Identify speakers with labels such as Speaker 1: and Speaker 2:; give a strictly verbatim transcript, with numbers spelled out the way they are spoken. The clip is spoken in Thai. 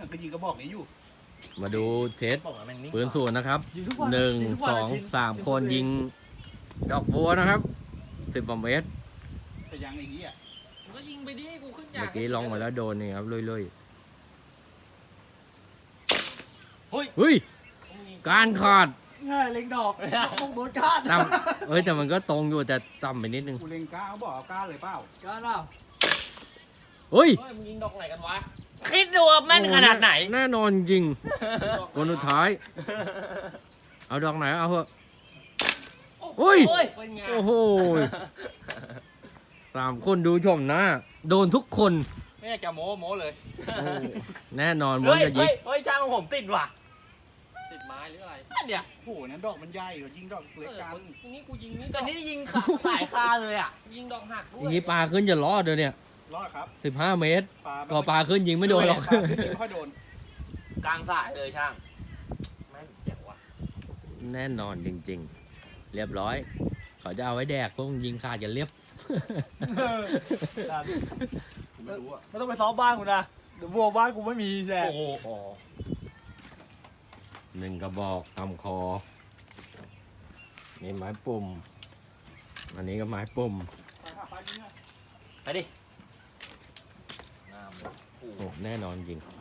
Speaker 1: ก็ยิงกระบอกนี้อยู่
Speaker 2: มาดูเทส
Speaker 3: บอกว่าแม่งนิ่ง
Speaker 2: ปืนศูนย์นะครับ
Speaker 1: ยิงทุกวัน
Speaker 2: หนึ่ง
Speaker 1: ยิทุกวั
Speaker 2: สอง
Speaker 1: ชิ
Speaker 2: สามคนยิงดอกบัวนะครับสิบกว่าเมตร
Speaker 1: แต่ยังอย่างนี้อ่ะ
Speaker 3: มึงก็ยิงไปดิกูขึ้นยา
Speaker 2: เมื่อกี้ลองมาแล้วโดนนี่ครับลุย
Speaker 1: เฮ้ย
Speaker 2: ๆเฮ้ยการขาด
Speaker 1: ง่ายเล็งดอกลงโดนก้าน
Speaker 2: ต่ำเอ้ยแต่มันก็ตรงอยู่แต่ต่ำไปนิดนึง
Speaker 1: กูเล็งก้านเขาบอกเอาก้านเลยเปล่า
Speaker 3: ก้านเปล่า
Speaker 2: เฮ้ย
Speaker 3: เฮ้ยมึงยิงดอกไหนกันวะคิดดูว่าแม่นขนาดไหน
Speaker 2: แน่นอนจริงคนสุดท้าย เอาดอกไหนเอาเถอะโอ้ย
Speaker 3: เป็นไง
Speaker 2: โอ้โหสามคนดูชมหน้าโดนทุกคน
Speaker 1: ไม่อยากจะโม้โม้เลย
Speaker 2: โอ้แน่นอนมัน
Speaker 3: เฮ้ย
Speaker 2: จะยิ
Speaker 3: เฮ้
Speaker 2: ง
Speaker 3: ยเฮ้ยช่างของผมติดว่ะติดไม้หรืออะไร
Speaker 1: นั่นเนี่ยโอ้โหนั้นดอกมันใหญ่กว่ายิงดอกเล็กกัน
Speaker 3: ทีนี้กูยิงนี่แต่นี่ยิงขาสายคาเลยอ่ะยิงดอกหักด้
Speaker 2: อ
Speaker 3: วย
Speaker 2: ย่างนี้ปลาขึ้นจะรอดเลยเนี่ย
Speaker 1: รอดครับ
Speaker 2: สิบห้าเมตร
Speaker 1: ปลา
Speaker 2: ก็ปลาขึ้นยิงไม่โดนหรอก
Speaker 1: ปลาขึ้นยิงไม่ค่อยโดน
Speaker 3: กลางสายเลยช่างแม่งเจ๋งว่ะ
Speaker 2: แน่นอนจริงๆ เรียบร้อย เขาจะเอาไว้แดกพวกยิงขาดกันเรียบ
Speaker 1: ไม่รู้อ่ะ
Speaker 4: ไม่ต้องไปซ้อมบ้านกูนะเดี๋ยวบัวบ้านกูไม่มีแน่
Speaker 3: โอ้โห
Speaker 2: หนึ่งกระบอกทำคอ นี่ไม้ปุ่ม อันนี้ก็ไม้ปุ่ม
Speaker 3: ไปดิน้ำเลยโอ้โห
Speaker 2: โอ้แน่นอนจริง